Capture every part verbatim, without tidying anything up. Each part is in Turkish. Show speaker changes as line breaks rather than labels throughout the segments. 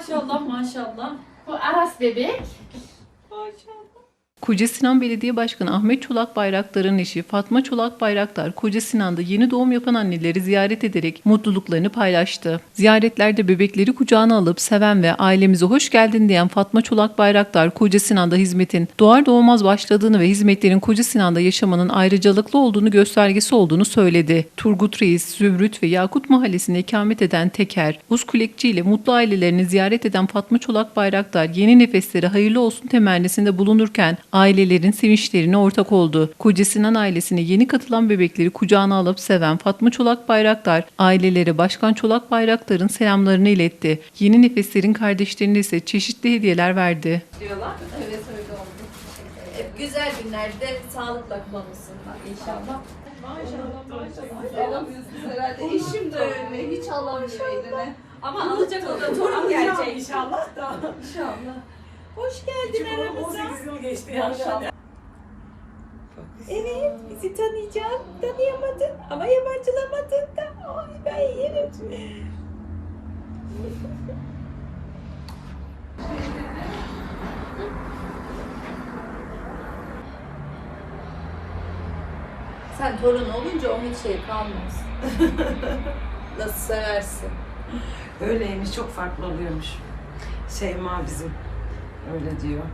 Maşallah maşallah.
Bu Aras bebek.
Maşallah.
Koca Sinan Belediye Başkanı Ahmet Çolak Bayraktar'ın eşi Fatma Çolak Bayraktar, Koca Sinan'da yeni doğum yapan anneleri ziyaret ederek mutluluklarını paylaştı. Ziyaretlerde bebekleri kucağına alıp seven ve ailemize hoş geldin diyen Fatma Çolak Bayraktar, Koca Sinan'da hizmetin doğar doğmaz başladığını ve hizmetlerin Koca Sinan'da yaşamanın ayrıcalıklı olduğunu göstergesi olduğunu söyledi. Turgut Reis, Zümrüt ve Yakut Mahallesi'nde ikamet eden Teker, Buzkulekçi ile mutlu ailelerini ziyaret eden Fatma Çolak Bayraktar, yeni nefesleri hayırlı olsun temennisinde bulunurken ailelerin sevinçlerine ortak oldu. Koca Sinan ailesine yeni katılan bebekleri kucağına alıp seven Fatma Çolak Bayraktar, ailelere Başkan Çolak Bayraktar'ın selamlarını iletti. Yeni nefeslerin kardeşlerine ise çeşitli hediyeler verdi.
Diyorlar. Evet öyle oldu. Hep güzel günlerde sağlıkla kullanılsınlar inşallah. Maşallah maşallah.
Alamıyorsunuz herhalde. Eşim de öyle. Hiç alamıyor eline.
Ama alacak o da torun gelecek.
İnşallah da.
İnşallah.
Hoş geldin
Çünkü
aramıza.
on sekiz yıl geçti maşallah.
Evet, bizi tanıyacaksın, tanıyamadın ama yabancılamadın da. Ay ben yerim. Sen torun olunca onun hiç şey kalmaz. Nasıl seversin?
Öyleymiş, çok farklı oluyormuş. Şeyma bizim öyle diyor.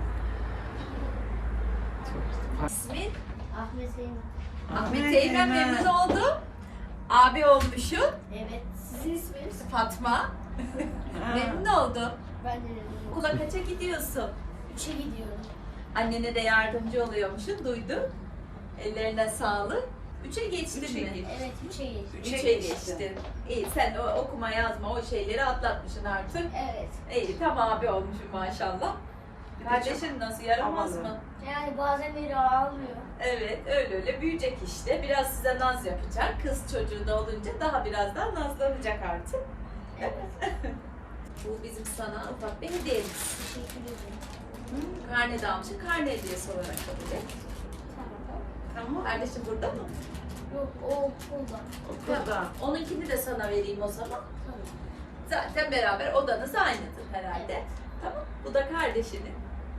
Çok farklı.
İsmin?
Ahmet Zeynep.
Ahmet Eymen, memnun oldum. Abi olmuşsun.
Evet. Sizin isminiz?
Fatma. Memnun oldum.
Ben de memnunum.
Okula kaça gidiyorsun?
Üçe gidiyorum.
Annene de yardımcı oluyormuşsun, duydum. Ellerine sağlık. Üçe geçtin
Üçe
mi?
geç.
Evet, üçe geçtim.
Üçe
Üçe
geçtin.
geçtin. İyi, sen o okuma yazma o şeyleri atlatmışsın artık.
Evet.
İyi, tam abi olmuşsun maşallah.
Bir de
Kardeşin nasıl, yaramaz
havalı.
mı?
Yani bazen biri ağlıyor.
Evet, öyle öyle büyüyecek işte. Biraz size naz yapacak. Kız çocuğu da olunca daha biraz daha nazlanacak artık.
Evet.
Bu bizim sana ufak bir hediyemiz.
Teşekkür ederim.
Karne de almışsın. Karne hediyesi olarak kabul et.
Tamam.
Tamam. Kardeşim burada mı?
Yok, o okulda.
Okulda.
Onunkini de sana vereyim o zaman.
Tamam.
Zaten beraber odanız aynıdır herhalde.
Evet.
Tamam. Bu da kardeşinin.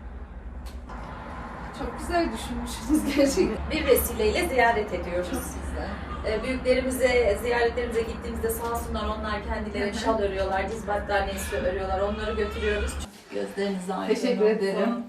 Çok güzel düşünmüşsünüz gerçekten.
Bir vesileyle ziyaret ediyoruz sizde. Ee, büyüklerimize, ziyaretlerimize gittiğimizde sağ olsunlar onlar kendileri şal örüyorlar, diz battaniyesi örüyorlar. Onları götürüyoruz. Gözleriniz aydın
Teşekkür
olsun.
ederim.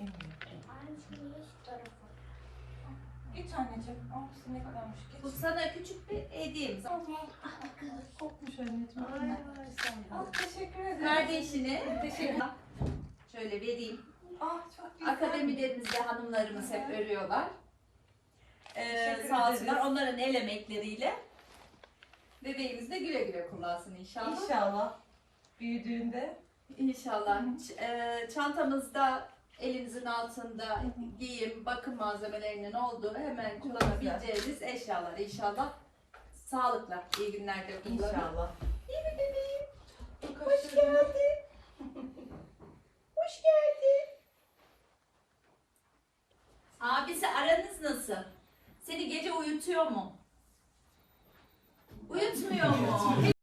Geç anneciğim. Oh, ne kadarmış.
Bu sana küçük bir hediyemiz.
Kokmuş anneciğim.
Ay,
Ah, teşekkür ederim.
Kardeşine teşekkür Şöyle vereyim.
Ah, çok güzel.
Akademilerimizde hanımlarımız hep örüyorlar. Ee,
Teşekkür
sağ
ederiz.
olsunlar onların el emekleriyle bebeğimiz de güle güle kullansın inşallah.
İnşallah. Büyüdüğünde.
İnşallah. Ç- e, çantamızda elinizin altında giyim, bakım malzemelerinin olduğu hemen kullanabileceğiniz eşyalar inşallah. Sağlıkla, iyi günlerde kullanın.
İnşallah.
İyi mi bebeğim?
Çok
Hoş geldin. Hoş geldin. Abisi aranız nasıl? Seni gece uyutuyor mu? Uyutmuyor mu?